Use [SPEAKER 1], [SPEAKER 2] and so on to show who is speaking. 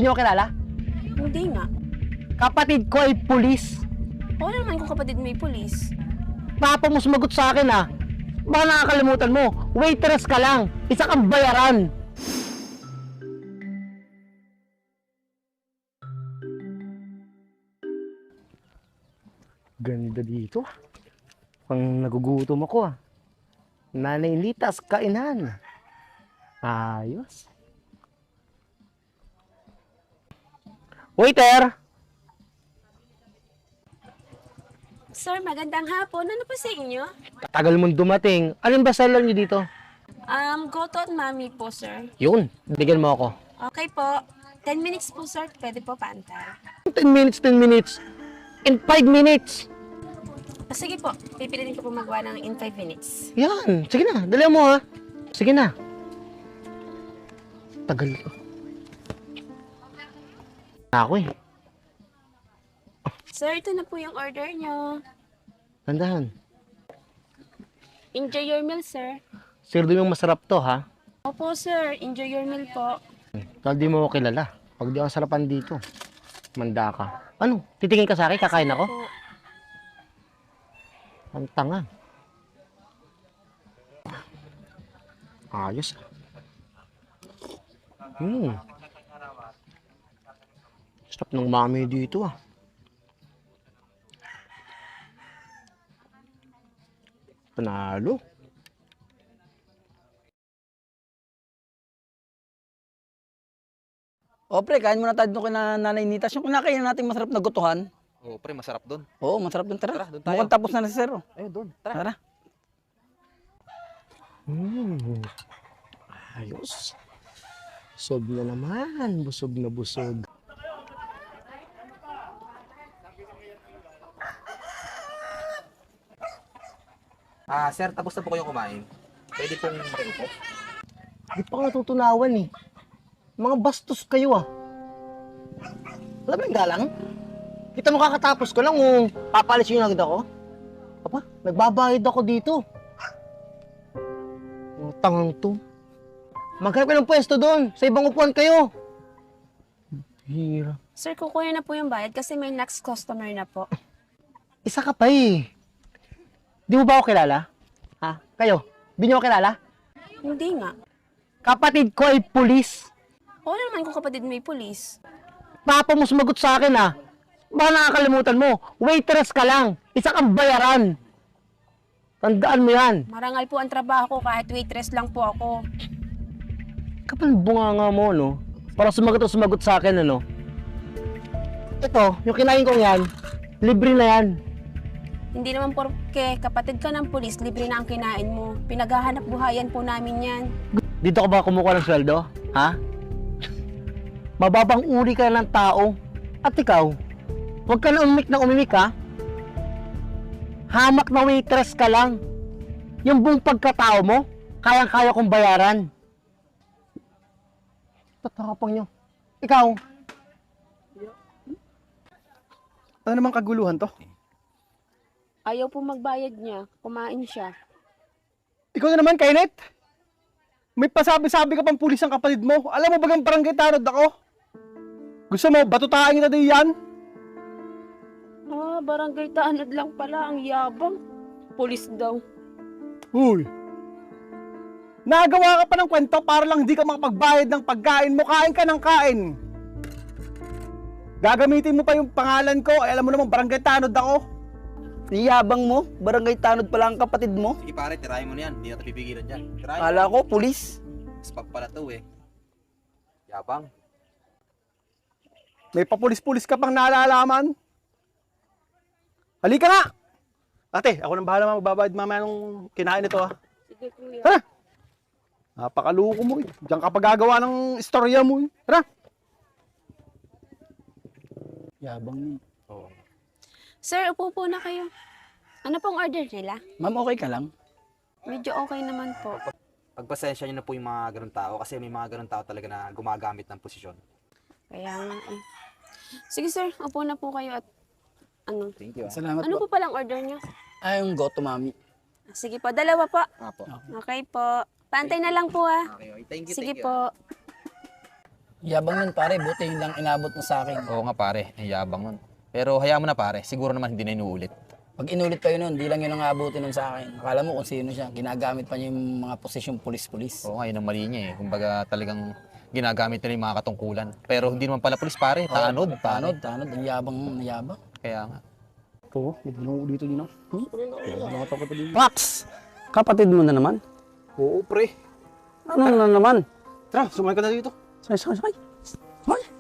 [SPEAKER 1] niyo ako kilala?
[SPEAKER 2] Hindi nga.
[SPEAKER 1] Kapatid ko ay pulis.
[SPEAKER 2] Oo naman kung kapatid may pulis.
[SPEAKER 1] Papa mo sumagot sa akin ha. Baka nakakalimutan mo, waitress ka lang. Isa kang bayaran. Ganda dito. Pang nagugutom ako ah. Nanay Litas, kainan. Ayos. Waiter!
[SPEAKER 2] Sir, magandang hapon. Ano po sa inyo?
[SPEAKER 1] Tagal mong dumating. Anong bestseller niyo dito?
[SPEAKER 2] Goto at mami po, sir.
[SPEAKER 1] Yun, bigyan mo ako.
[SPEAKER 2] Okay po. 10 minutes po, sir. Pwede po paantay.
[SPEAKER 1] 10 minutes, 10 minutes. In 5 minutes.
[SPEAKER 2] Sige po. Pipilitin ko po magawa ng in 5 minutes.
[SPEAKER 1] Yan. Sige na. Dali mo ha. Sige na. Tagal ko. Ako eh.
[SPEAKER 2] Sir, ito na po yung order nyo.
[SPEAKER 1] Tandahan.
[SPEAKER 2] Enjoy your meal, sir.
[SPEAKER 1] Sirdo yung masarap to ha.
[SPEAKER 2] Opo, sir. Enjoy your meal po.
[SPEAKER 1] Dahil di mo ako kilala. Pag di ako sarapan dito. Manda ka. Ano? Titingin ka sa akin? Kakain ako?
[SPEAKER 2] Po.
[SPEAKER 1] Ang tanga. Ayos. Sarap ng mami dito ah. Panalo.
[SPEAKER 3] O pre, kain muna tayo doon kina Nanay Nitas. Yung kinakain natin masarap na gutuhan.
[SPEAKER 4] Oo, pre, masarap doon.
[SPEAKER 3] Oo, masarap doon. Tara,
[SPEAKER 4] Tara, doon tayo.
[SPEAKER 3] mukhang tapos na si Sir. Oh.
[SPEAKER 4] Ayun, doon. Tara.
[SPEAKER 3] Tara.
[SPEAKER 1] Ayos. Busog na naman. Busog na busog.
[SPEAKER 4] Sir, tapos na po kayong kumain. Pwede pong makiupo.
[SPEAKER 1] Di pa ko natutunawan eh. Mga bastos kayo ah. Alam mo yung galang? Kita mo kakatapos ko lang kung papalis yung agad ako. Apa, nagbabayad ako dito. Ang tangang to. Maghanap ka ng pwesto doon. Sa ibang upuan kayo. Hira.
[SPEAKER 2] Sir, kukunin na po yung bayad kasi may next customer na po.
[SPEAKER 1] Isa ka pa eh. Di mo ba ako kilala? Ha? Kayo? Di niyo ako kilala?
[SPEAKER 2] Hindi nga.
[SPEAKER 1] Kapatid ko ay pulis.
[SPEAKER 2] Oo naman kung kapatid may pulis.
[SPEAKER 1] Papa mo sumagot sa akin ha. Baka nakakalimutan mo, waitress ka lang. Isa kang bayaran. Tandaan mo yan.
[SPEAKER 2] Marangal po ang trabaho ko kahit waitress lang po ako.
[SPEAKER 1] Kapal bunganga mo, no? Para sumagot sa akin, ano? Ito, yung kinain kong yan, libre na yan.
[SPEAKER 2] Hindi naman porke kapatid ka ng pulis, libre na ang kinain mo. Pinaghahanap buhayan po namin yan.
[SPEAKER 1] Dito ka ba kumukuha ng sweldo? Ha? Mababang uri ka ng tao. At ikaw, huwag ka na umimik ha? Hamak na waitress ka lang. Yung buong pagkatao mo, kayang-kaya kong bayaran. Tatakapang nyo. Ikaw,
[SPEAKER 3] Ano namang kaguluhan to?
[SPEAKER 2] Ayaw po magbayad niya. Kumain siya.
[SPEAKER 3] Ikaw na naman, Kainet. May pasabi-sabi ka pang pulis ang kapatid mo. Alam mo bagang barangay tanod ako? Gusto mo, batutaan kita din yan?
[SPEAKER 2] Barangay tanod lang pala. Ang yabang. Pulis daw.
[SPEAKER 3] Uy! Nagawa ka pa ng kwento para lang hindi ka makapagbayad ng pagkain mo. Kain ka ng kain. Gagamitin mo pa yung pangalan ko. Ay, alam mo naman, barangay tanod ako. Niyabang mo, barangay tanod pala ang kapatid mo.
[SPEAKER 4] Sige pare, tirahin mo na yan. Hindi natin pipigilan dyan. Tirahin mo.
[SPEAKER 3] Kala ko, pulis.
[SPEAKER 4] Spag pala to eh. Yabang.
[SPEAKER 3] May papulis-pulis ka pang nalalaman. Halika nga! Ate, ako nang bahala magbabayad mamaya nung kinain nito ha.
[SPEAKER 2] Sige kuya.
[SPEAKER 3] Tara! Napakaluko mo eh. Diyan ka pa gagawa ng istorya mo eh. Tara! Yabang niya.
[SPEAKER 4] Oo.
[SPEAKER 2] Sir, upo po na kayo. Ano pong order nila?
[SPEAKER 3] Ma'am, okay ka lang?
[SPEAKER 2] Medyo okay naman po.
[SPEAKER 4] Pagpasensya nyo na po yung mga ganun tao kasi may mga ganun tao talaga na gumagamit ng posisyon.
[SPEAKER 2] Kaya nga eh. Sige sir, upo na po kayo at ano?
[SPEAKER 4] Thank you.
[SPEAKER 3] Salamat
[SPEAKER 2] Ano
[SPEAKER 3] po.
[SPEAKER 2] po palang order niyo?
[SPEAKER 3] Ay, yung goto, mami.
[SPEAKER 2] Sige po, dalawa po.
[SPEAKER 4] Apo.
[SPEAKER 2] Okay po. Pantay na lang po ah.
[SPEAKER 4] Okay, okay. Thank you,
[SPEAKER 2] Sige
[SPEAKER 4] thank you.
[SPEAKER 2] po.
[SPEAKER 5] Yabang nun pare, buti yun lang inabot mo sa akin.
[SPEAKER 4] Oo nga pare, ang yabang nun. Pero hayaan mo na pare, siguro naman hindi na inuulit.
[SPEAKER 5] Pag inulit pa yun nun, di lang yun ang aabutin nun sa akin. Akala mo kung sino siya, ginagamit pa niya yung mga posisyong pulis-pulis.
[SPEAKER 4] Oo nga, yun ang mali niya eh. Kumbaga talagang ginagamit nila yung mga katungkulan. Pero hindi naman pala pulis pare, tanod.
[SPEAKER 5] Tanod, ang yabang.
[SPEAKER 4] Kaya nga.
[SPEAKER 3] Oo, may ginoo dito din.
[SPEAKER 6] Max! Kapatid mo na naman?
[SPEAKER 3] Oo, pre.
[SPEAKER 6] Ano na naman?
[SPEAKER 3] Tara, sumakay ka na dito.
[SPEAKER 6] Sakay. Hoy!